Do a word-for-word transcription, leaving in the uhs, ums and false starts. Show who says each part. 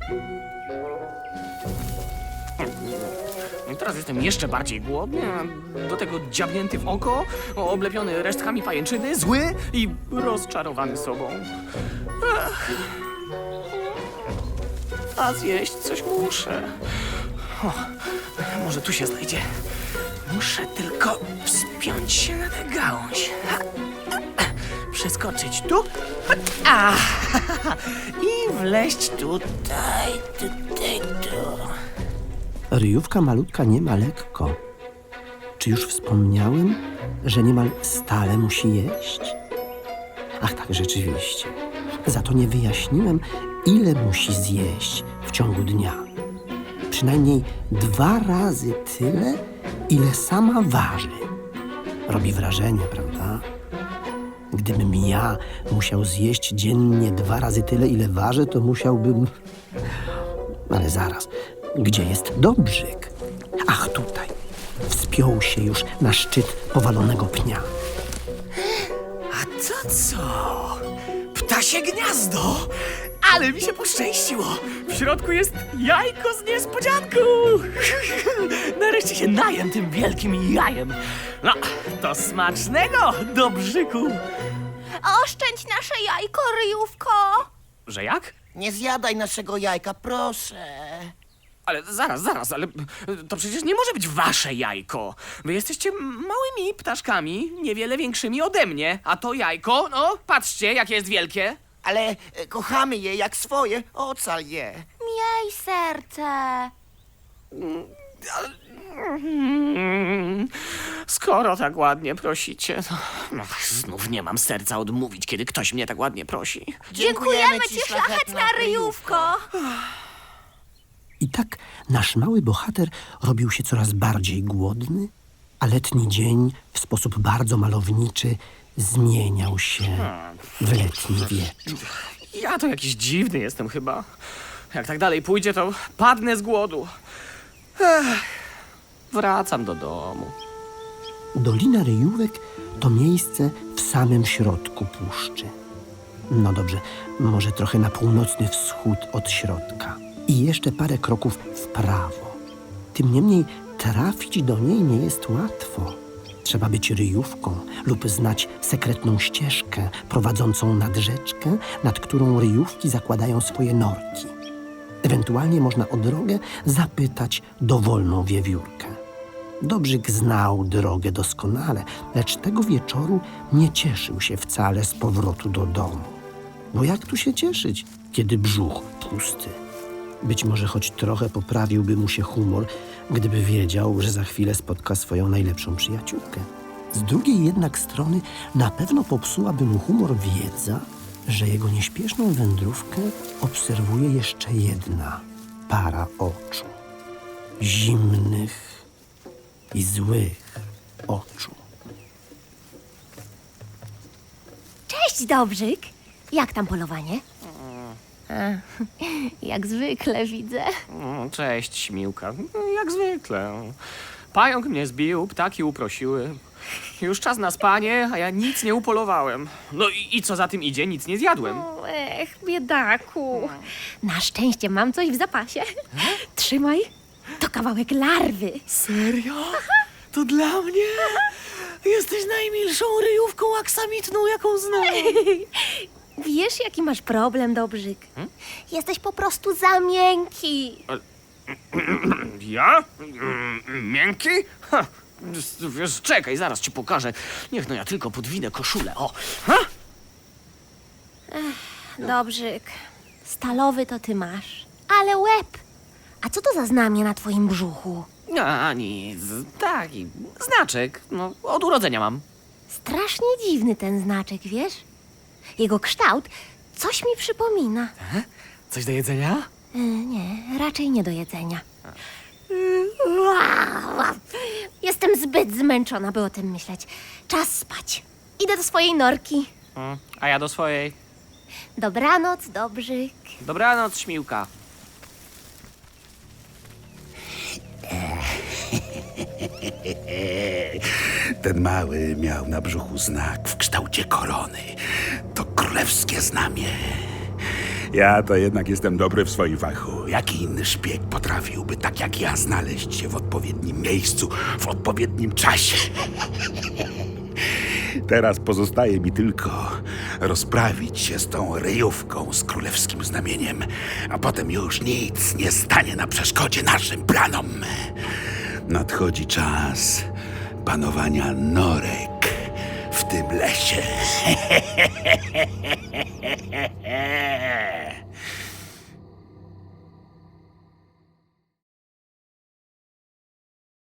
Speaker 1: I teraz jestem jeszcze bardziej głodny, a do tego dziabnięty w oko, oblepiony resztkami pajęczyny, zły i rozczarowany sobą. Ech. A zjeść coś muszę. O, może tu się znajdzie. Muszę tylko wspiąć się na tę gałąź. Przeskoczyć tu. A, i wleźć tutaj, tutaj, tu.
Speaker 2: Ryjówka malutka nie ma lekko. Czy już wspomniałem, że niemal stale musi jeść? Ach tak, rzeczywiście. Za to nie wyjaśniłem, ile musi zjeść w ciągu dnia. Przynajmniej dwa razy tyle, ile sama waży. Robi wrażenie, prawda? Gdybym ja musiał zjeść dziennie dwa razy tyle, ile ważę, to musiałbym... Ale zaraz, gdzie jest Dobrzyk? Ach, tutaj. Wspiął się już na szczyt powalonego pnia.
Speaker 1: A to co? Ptasie gniazdo! Ale mi się poszczęściło! W środku jest jajko z niespodzianką! Nareszcie się najem tym wielkim jajem. No, to smacznego, Dobrzyku!
Speaker 3: Oszczędź nasze jajko, Ryjówko!
Speaker 1: Że jak?
Speaker 4: Nie zjadaj naszego jajka, proszę.
Speaker 1: Ale zaraz, zaraz, ale to przecież nie może być wasze jajko. Wy jesteście małymi ptaszkami, niewiele większymi ode mnie. A to jajko, no, patrzcie, jakie jest wielkie.
Speaker 4: Ale e, kochamy je jak swoje, ocal je.
Speaker 3: Miej serce!
Speaker 1: Mm, Skoro tak ładnie prosicie, to no, znów nie mam serca odmówić, kiedy ktoś mnie tak ładnie prosi.
Speaker 3: Dziękujemy ci, szlachetna Ryjówko!
Speaker 2: I tak nasz mały bohater robił się coraz bardziej głodny, a letni dzień w sposób bardzo malowniczy zmieniał się w letni wieczór.
Speaker 1: Ja to jakiś dziwny jestem chyba. Jak tak dalej pójdzie, to padnę z głodu. Ech, wracam do domu.
Speaker 2: Dolina Ryjówek to miejsce w samym środku puszczy. No dobrze, może trochę na północny wschód od środka. I jeszcze parę kroków w prawo. Tym niemniej trafić do niej nie jest łatwo. Trzeba być ryjówką lub znać sekretną ścieżkę prowadzącą nad rzeczkę, nad którą ryjówki zakładają swoje norki. Ewentualnie można o drogę zapytać dowolną wiewiórkę. Dobrzyk znał drogę doskonale, lecz tego wieczoru nie cieszył się wcale z powrotu do domu. Bo jak tu się cieszyć, kiedy brzuch pusty? Być może choć trochę poprawiłby mu się humor, gdyby wiedział, że za chwilę spotka swoją najlepszą przyjaciółkę. Z drugiej jednak strony na pewno popsułaby mu humor wiedza, że jego nieśpieszną wędrówkę obserwuje jeszcze jedna para oczu. Zimnych i złych oczu.
Speaker 3: Cześć, Dobrzyk! Jak tam polowanie? A, jak zwykle widzę.
Speaker 1: Mm, Cześć, Śmiłka. Jak zwykle. Pająk mnie zbił, ptaki uprosiły. Już czas na spanie, a ja nic nie upolowałem. No i, i co za tym idzie, nic nie zjadłem.
Speaker 3: O, ech, biedaku. Na szczęście mam coś w zapasie. Trzymaj. To kawałek larwy.
Speaker 1: Serio? To dla mnie? Jesteś najmilszą ryjówką aksamitną, jaką znam.
Speaker 3: Wiesz, jaki masz problem, Dobrzyk? Jesteś po prostu za miękki.
Speaker 1: Ja? Mm, Miękki? Ha, wiesz, czekaj, zaraz ci pokażę. Niech no ja tylko podwinę koszulę, o. Ha?
Speaker 3: Dobrzyk, stalowy to ty masz. Ale łeb. A co to za znamie na twoim brzuchu?
Speaker 1: A nic, taki znaczek, no od urodzenia mam.
Speaker 3: Strasznie dziwny ten znaczek, wiesz? Jego kształt coś mi przypomina.
Speaker 1: Coś do jedzenia?
Speaker 3: E, nie, raczej nie do jedzenia. Jestem zbyt zmęczona, by o tym myśleć. Czas spać. Idę do swojej norki.
Speaker 1: Mm, A ja do swojej.
Speaker 3: Dobranoc, Dobrzyk.
Speaker 1: Dobranoc, Śmiłka.
Speaker 5: Ten mały miał na brzuchu znak w kształcie korony. To królewskie znamie. Ja to jednak jestem dobry w swoim fachu. Jaki inny szpieg potrafiłby, tak jak ja, znaleźć się w odpowiednim miejscu, w odpowiednim czasie? Teraz pozostaje mi tylko rozprawić się z tą ryjówką z królewskim znamieniem, a potem już nic nie stanie na przeszkodzie naszym planom. Nadchodzi czas panowania norek w tym lesie.